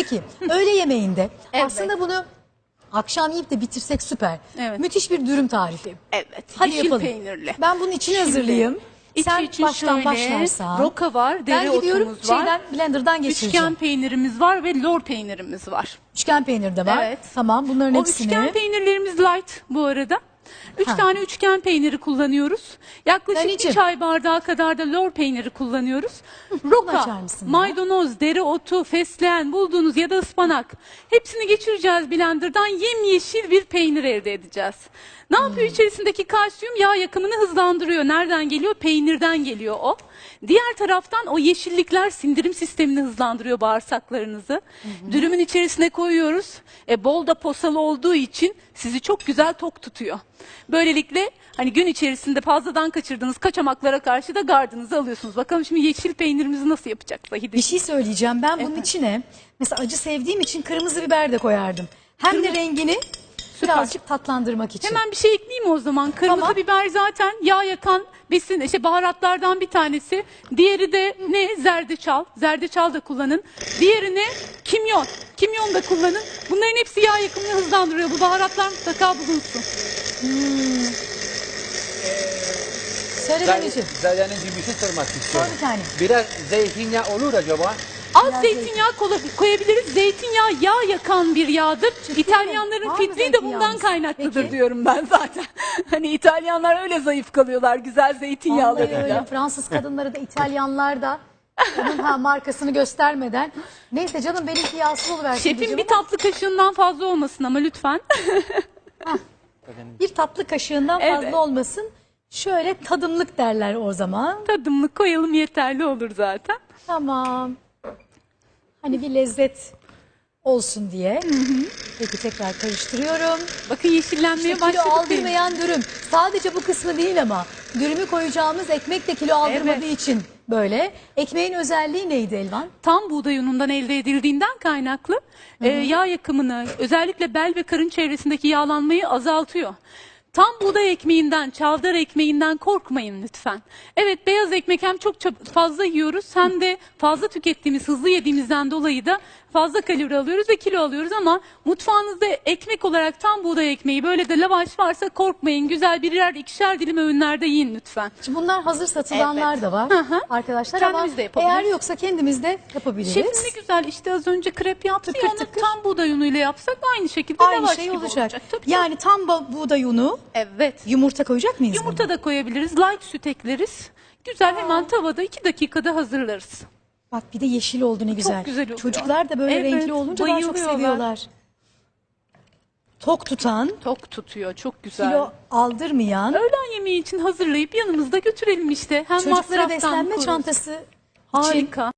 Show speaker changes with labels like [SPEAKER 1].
[SPEAKER 1] Peki öğle yemeğinde
[SPEAKER 2] Evet.
[SPEAKER 1] aslında bunu akşam yiyip de bitirsek süper.
[SPEAKER 2] Evet.
[SPEAKER 1] Müthiş bir dürüm tarifi.
[SPEAKER 2] Evet.
[SPEAKER 1] Hadi
[SPEAKER 2] yeşil
[SPEAKER 1] yapalım.
[SPEAKER 2] peynirli.
[SPEAKER 1] Ben bunun içini
[SPEAKER 2] Şimdi,
[SPEAKER 1] hazırlayayım.
[SPEAKER 2] içi
[SPEAKER 1] Sen
[SPEAKER 2] için
[SPEAKER 1] baştan
[SPEAKER 2] şöyle
[SPEAKER 1] başlarsan.
[SPEAKER 2] roka var,
[SPEAKER 1] Ben gidiyorum
[SPEAKER 2] dereotumuz var.
[SPEAKER 1] şeyden blenderdan geçireceğim.
[SPEAKER 2] Üçgen peynirimiz var ve lor peynirimiz var.
[SPEAKER 1] Üçgen peynir de var.
[SPEAKER 2] Evet.
[SPEAKER 1] Tamam bunların
[SPEAKER 2] O
[SPEAKER 1] hepsini.
[SPEAKER 2] üçgen peynirlerimiz light bu arada. 3
[SPEAKER 1] Ha.
[SPEAKER 2] tane üçgen peyniri kullanıyoruz. Yaklaşık bir
[SPEAKER 1] Anneciğim.
[SPEAKER 2] çay bardağı kadar da lor peyniri kullanıyoruz.
[SPEAKER 1] açar
[SPEAKER 2] Roka,
[SPEAKER 1] mısın ya?
[SPEAKER 2] maydanoz, dereotu, fesleğen bulduğunuz ya da ıspanak. Hepsini geçireceğiz blenderdan, yemyeşil bir peynir elde edeceğiz. Ne yapıyor içerisindeki kalsiyum? Yağ yakımını hızlandırıyor. Nereden geliyor? Peynirden geliyor o. Diğer taraftan o yeşillikler sindirim sistemini hızlandırıyor, bağırsaklarınızı. Dürümün içerisine koyuyoruz. Bol da posalı olduğu için sizi çok güzel tok tutuyor. Böylelikle hani gün içerisinde fazladan kaçırdığınız kaçamaklara karşı da gardınızı alıyorsunuz. Bakalım şimdi yeşil peynirimizi nasıl yapacak Zahide?
[SPEAKER 1] Bir şey söyleyeceğim. Ben bunun içine mesela acı sevdiğim için kırmızı biber de koyardım. Hem de rengini birazcık tatlandırmak için.
[SPEAKER 2] Hemen bir şey ekleyeyim mi o zaman? Kırmızı
[SPEAKER 1] Tamam.
[SPEAKER 2] biber zaten yağ yakan besin, baharatlardan bir tanesi. Diğeri de ne? Zerdeçal. Zerdeçal da kullanın. Diğeri ne? Kimyon. Kimyon da kullanın. Bunların hepsi yağ yakımını hızlandırıyor. Bu baharatlar mutlaka bulunsun.
[SPEAKER 1] Söyle anneciğim.
[SPEAKER 3] Zade'nin bir şey sormak
[SPEAKER 1] Sor
[SPEAKER 3] istiyorum.
[SPEAKER 1] bir tane.
[SPEAKER 3] Biraz zeytinyağı olur acaba?
[SPEAKER 2] Az
[SPEAKER 1] Biraz
[SPEAKER 2] zeytinyağı koyabiliriz. Zeytinyağı yağ yakan bir yağdır. İtalyanların
[SPEAKER 1] Var mı
[SPEAKER 2] fitliği de
[SPEAKER 1] zeytinyağımız?
[SPEAKER 2] bundan kaynaklıdır
[SPEAKER 1] Peki.
[SPEAKER 2] diyorum ben zaten. Hani İtalyanlar öyle zayıf kalıyorlar güzel
[SPEAKER 1] Vallahi öyle.
[SPEAKER 2] zeytinyağlarıyla.
[SPEAKER 1] Fransız kadınları da İtalyanlar da onun markasını göstermeden. Neyse canım benimki yağsız oluversin.
[SPEAKER 2] Şefim
[SPEAKER 1] diyeceğim
[SPEAKER 2] bir
[SPEAKER 1] ama
[SPEAKER 2] tatlı kaşığından fazla olmasın ama lütfen.
[SPEAKER 1] bir tatlı kaşığından fazla
[SPEAKER 2] Evet.
[SPEAKER 1] olmasın. Şöyle tadımlık derler o zaman.
[SPEAKER 2] Tadımlık koyalım yeterli olur zaten.
[SPEAKER 1] Tamam. Hani bir lezzet olsun diye. Peki tekrar karıştırıyorum.
[SPEAKER 2] Bakın yeşillenmeye
[SPEAKER 1] İşte kilo
[SPEAKER 2] başladık. benim.
[SPEAKER 1] aldırmayan dürüm. Sadece bu kısmı değil ama dürümü koyacağımız ekmek de kilo aldırmadığı
[SPEAKER 2] Evet.
[SPEAKER 1] için böyle. Ekmeğin özelliği neydi Elvan?
[SPEAKER 2] Tam buğday unundan elde edildiğinden kaynaklı yağ yakımını, özellikle bel ve karın çevresindeki yağlanmayı azaltıyor. Tam buğday ekmeğinden, çavdar ekmeğinden korkmayın lütfen. Evet, beyaz ekmek hem çok fazla yiyoruz hem de fazla tükettiğimiz, hızlı yediğimizden dolayı da fazla kalori alıyoruz ve kilo alıyoruz ama mutfağınızda ekmek olarak tam buğday ekmeği, böyle de lavaş varsa korkmayın. Güzel birer ikişer dilim öğünlerde yiyin lütfen.
[SPEAKER 1] Şimdi bunlar hazır satılanlar
[SPEAKER 2] Evet.
[SPEAKER 1] da var
[SPEAKER 2] Hı hı.
[SPEAKER 1] arkadaşlar
[SPEAKER 2] Kendimiz
[SPEAKER 1] ama
[SPEAKER 2] de yapabiliriz.
[SPEAKER 1] eğer yoksa kendimiz de yapabiliriz.
[SPEAKER 2] Şefim ne güzel, işte az önce krep yaptı
[SPEAKER 1] Tıkır
[SPEAKER 2] ya, onu
[SPEAKER 1] tıkır.
[SPEAKER 2] tam buğday unuyla yapsak aynı şekilde
[SPEAKER 1] Aynı
[SPEAKER 2] lavaş
[SPEAKER 1] şey
[SPEAKER 2] gibi
[SPEAKER 1] olacak.
[SPEAKER 2] Tabii,
[SPEAKER 1] Yani tam buğday unu,
[SPEAKER 2] evet.
[SPEAKER 1] yumurta koyacak mıyız?
[SPEAKER 2] Yumurta
[SPEAKER 1] buna?
[SPEAKER 2] da koyabiliriz, light süt ekleriz. Güzel, hemen tavada 2 dakikada hazırlarız.
[SPEAKER 1] Bak bir de yeşil oldu ne güzel.
[SPEAKER 2] güzel oluyor.
[SPEAKER 1] Çocuklar da böyle
[SPEAKER 2] Evet,
[SPEAKER 1] renkli olunca daha çok
[SPEAKER 2] bayılıyorlar.
[SPEAKER 1] seviyorlar. Tok tutan,
[SPEAKER 2] Tok tutuyor, çok güzel.
[SPEAKER 1] kilo aldırmayan,
[SPEAKER 2] Öğlen yemeği için hazırlayıp yanımızda götürelim işte. Hem
[SPEAKER 1] çocuklara
[SPEAKER 2] masraftan
[SPEAKER 1] beslenme
[SPEAKER 2] koruruz.
[SPEAKER 1] çantası için
[SPEAKER 2] Harika.